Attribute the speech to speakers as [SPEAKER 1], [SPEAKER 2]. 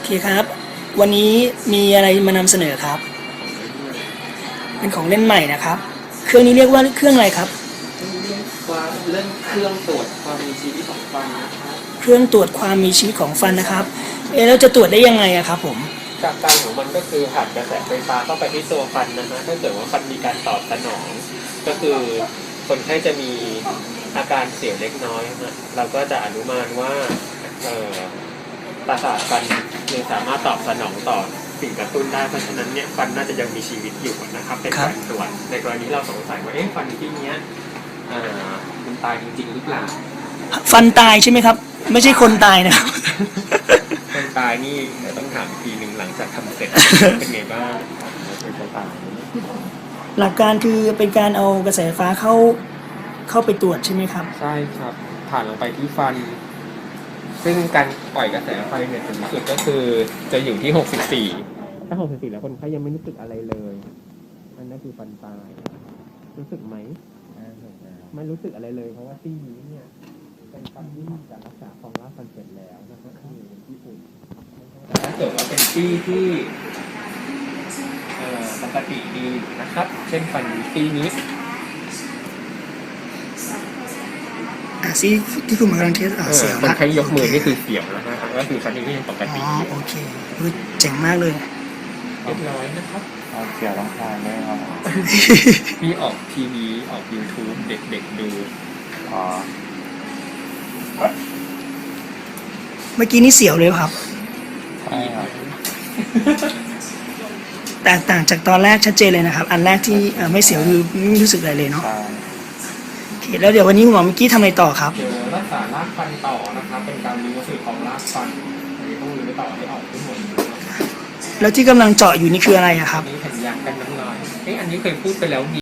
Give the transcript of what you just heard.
[SPEAKER 1] เคครับวันนี้มีอะไรมานำเสนอครับเป็นของเล่นใหม่นะครับเครื่องนี้เรียกว่าเครื่องอะไรครับ
[SPEAKER 2] เรื่องเครื่องตรวจความมีชีวิตของฟันนะครับ
[SPEAKER 1] เครื่องตรวจความมีชีวิตของฟันนะครับเราจะตรวจได้ยังไงอะครับผม
[SPEAKER 2] จากการของมันก็คือผ่านกระแสไฟฟ้าเข้าไปที่ตัวฟันนะฮะถ้าเกิดว่าฟันมีการตอบสนองก็คือคนไข้จะมีอาการเสียวเล็กน้อยนะเราก็จะอนุมานว่าประสาทฟันยังสามารถตอบสนองต่อสิ่งกระตุ้นได้เพราะฉะนั้นเนี่ยฟันน่าจะยังมีชีวิตอยู่นะครับเป็นการตรวจในกรณีเราสงสัยว่าฟันที่เนี้ยมันตายจริงๆหรือเปล่า
[SPEAKER 1] ฟันตายใช่ไหมครับไม่ใช่คนตายนะครับ
[SPEAKER 2] คนตายนี่ต้องถามอีกทีหนึ่งหลังจากทำเสร็จเป็นไงบ้างเป็นคนตาย
[SPEAKER 1] หลักการคือเป็นการเอากระแสไฟฟ้าเข้าไปตรวจใช่ไหมครับ
[SPEAKER 2] ใช่ครับผ่านลงไปที่ฟันซึ่งการปล่อยกระแสไฟเนี่ยสูงสุดก็คือจะอยู่ที่64ถ้า64แล้วคนไข้ยังไม่รู้สึกอะไรเลยนั่นคือฟันตายรู้สึกไหมไม่รู้สึกอะไรเลยเพราะว่าซี่นี้เนี่ยเป็นฟันที่จะรักษาฟองรากฟันเสร็จแล้วนะครับคือเป็นที่อุ่นถ้าเกิดว่าเป็นซี่ที่ปกติดีนะครับเช่นฟันซี่นี้
[SPEAKER 1] ซี่ที่คุณกำลังเทสเสียว
[SPEAKER 2] คนไข้ยกมือนี่คือเสียวแล้วนะก็คือฟันที่ยังปกติ
[SPEAKER 1] โอเคเจ๋งมากเลย
[SPEAKER 2] เรียบร้อยนะครับ
[SPEAKER 3] เสียวต้องทานด้วยครับ
[SPEAKER 2] มีออกทีวีออก YouTube เด็กๆดู
[SPEAKER 1] เมื่อกี้นี่เสียวเลยครับ
[SPEAKER 3] ใช่ครับ
[SPEAKER 1] แตกต่างจากตอนแรกชัดเจนเลยนะครับอันแรกที่ไม่เสียวคือไม่รู้สึกอะไรเลยเนาะโอเคแล้วเดี๋ยววันนี้คุณหมอเมื่อกี้ทำอะไรต่อครับ
[SPEAKER 2] เดี๋ยวรักษารากฟันต่อนะครับเป็นการรื้อวัสดุของรากฟันต้องรื้อต่อให้ออกทั้งหมด
[SPEAKER 1] แล้วที่กำลังเจาะอยู่นี่คืออะไรอะครับ
[SPEAKER 2] นี่แผ่นยางกันน้ำลายอันนี้เคยพูดไปแล้ว